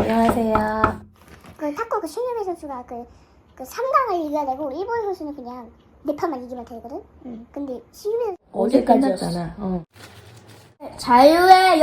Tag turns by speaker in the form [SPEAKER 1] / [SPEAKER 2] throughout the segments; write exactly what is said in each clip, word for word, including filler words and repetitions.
[SPEAKER 1] 안녕하세요.
[SPEAKER 2] 그 탁구 그 신유미 선수가 그, 그 삼 강을 이겨내고 일본 선수는 그냥 네 판만 이기면 되거든. 응. 근데 신유미 선수
[SPEAKER 1] 어제 끝났잖아. 어.
[SPEAKER 3] 자유의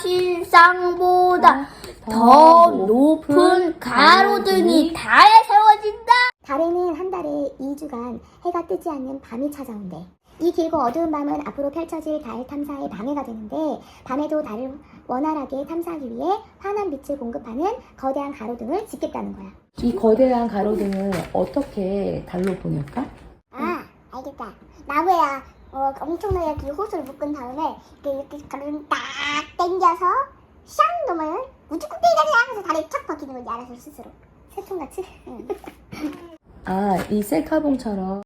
[SPEAKER 3] 여신상보다 더 높은 가로등이 달에 세워진다.
[SPEAKER 2] 달에는 한 달에 이 주간 해가 뜨지 않는 밤이 찾아온대. 이 길고 어두운 밤은 앞으로 펼쳐질 달 탐사의 방해가 되는데 밤에도 달을 원활하게 탐사하기 위해 환한 빛을 공급하는 거대한 가로등을 짓겠다는 거야.
[SPEAKER 1] 이 거대한 가로등을 어떻게 달로 보낼까?
[SPEAKER 2] 아, 알겠다. 나무에야 어, 엄청나게 그 호수를 묶은 다음에 이렇게, 이렇게 가로등 딱 당겨서 샹 놓으면 우주국대기가 하면서 달에 착 박히는 거지, 알아서 스스로. 새총같이? 응.
[SPEAKER 1] 아, 이 셀카봉처럼.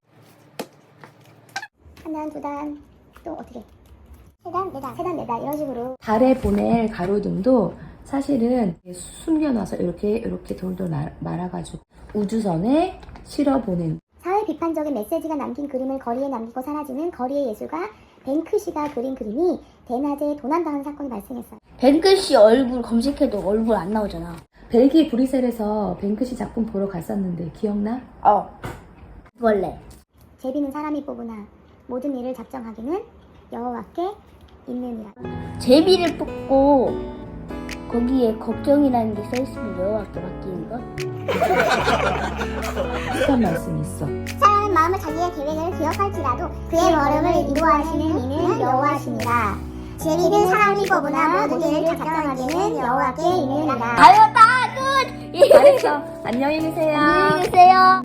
[SPEAKER 2] 한 단, 두 단, 또 어떻게? 세 단, 네 단, 세 단, 네 단, 이런 식으로.
[SPEAKER 1] 달에 보낼 가로등도 사실은 숨겨놔서 이렇게 이렇게 돌돌 말- 말아가지고 우주선에 실어보낸.
[SPEAKER 2] 사회 비판적인 메시지가 남긴 그림을 거리에 남기고 사라지는 거리의 예술가 뱅크시가 그린 그림이 대낮에 도난당한 사건이 발생했어요.
[SPEAKER 3] 뱅크씨 얼굴 검색해도 얼굴 안 나오잖아.
[SPEAKER 1] 벨기에 브뤼셀에서 뱅크시 작품 보러 갔었는데 기억나?
[SPEAKER 3] 어. 원래.
[SPEAKER 2] 제비는 사람이 뽑으나 모든 일을 작정하기는 여호와께 있느니라.
[SPEAKER 3] 제비를 뽑고 거기에 걱정이라는 게 써있으면 여호와께 맡기는 거?
[SPEAKER 1] 비슷한 말씀이 있어.
[SPEAKER 2] 사랑하는 마음을 자기의 계획을 기억할지라도 그의 걸음을 인도하시는 이는 여호와시니라. 제비는 사람이 뽑으나 모든 일을 작정하기는 여호와께 있느니라.
[SPEAKER 3] 다였다 끝!
[SPEAKER 1] 잘했어. 안녕히 계세요.
[SPEAKER 3] 안녕히 계세요.